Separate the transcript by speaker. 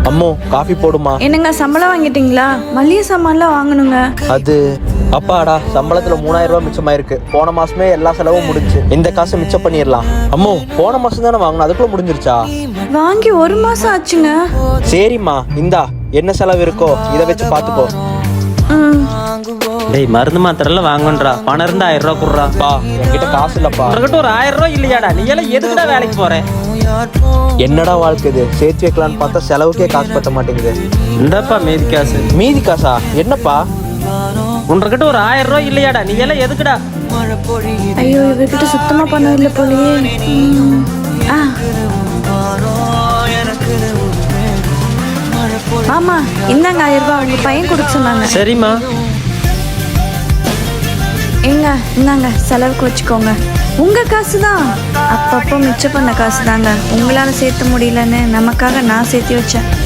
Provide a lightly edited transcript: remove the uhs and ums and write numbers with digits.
Speaker 1: அம்மோ காஃபி போடுமா.
Speaker 2: என்னங்க சம்பளம் வாங்கிட்டீங்களா? மளிகை சாமான்லாம் வாங்கணுங்க.
Speaker 1: அது அப்பாடா, சம்பளத்துல 3000 ரூபாய் மிச்சமாயிருக்கு. போன மாசமே எல்லா செலவும் முடிஞ்சு. இந்த காசை மிச்சம் பண்ணிடலாம். அம்மோ போன மாசம் தானே வாங்கணும், அதுக்குள்ள முடிஞ்சிருச்சா?
Speaker 2: வாங்கி 1 மாசம் ஆச்சுங்க.
Speaker 1: சரிம்மா, இந்தா என்ன செலவு இருக்கோ இதை வச்சு பாத்துக்கோ.
Speaker 3: டேய் மருந்து மாத்திரலாம் வாங்கன்றா, பணம் இருந்தா 1000 ரூபா குடுறா.
Speaker 1: பா என்கிட்ட காசு இல்லப்பா.
Speaker 3: உனக்கிட்ட ஒரு 1000 ரூபா இல்லையாடா? நீ எல்லாம் எதுக்குடா வேலைக்கு போற?
Speaker 1: என்னடா வாழ்க்கை இது, சேர்த்து வைக்கலான்னு பார்த்தா செலவுக்கே காசு பத்த மாட்டேங்குது.
Speaker 3: இந்தப்பா மீதி காசு.
Speaker 1: மீதி காசா? என்னப்பா?
Speaker 3: உனக்கிட்ட ஒரு 1000 ரூபா இல்லையாடா? நீ எல்லாம் எதுக்குடா?
Speaker 2: ஐயோ, இவர்கிட்ட சுத்தமா பணம் இல்லை போலயே. ஆமா, இந்தாங்க 1000 ரூபாய். உங்க பையன் கொடுக்க சொன்னாங்க.
Speaker 3: சரிம்மா.
Speaker 2: எங்க இந்தாங்க, செலவுக்கு வச்சுக்கோங்க. உங்க காசு தான். அப்பப்போ மிச்சம் பண்ண காசு தாங்க. உங்களால சேர்த்த முடியலன்னு நமக்காக நான் சேர்த்து வச்சேன்.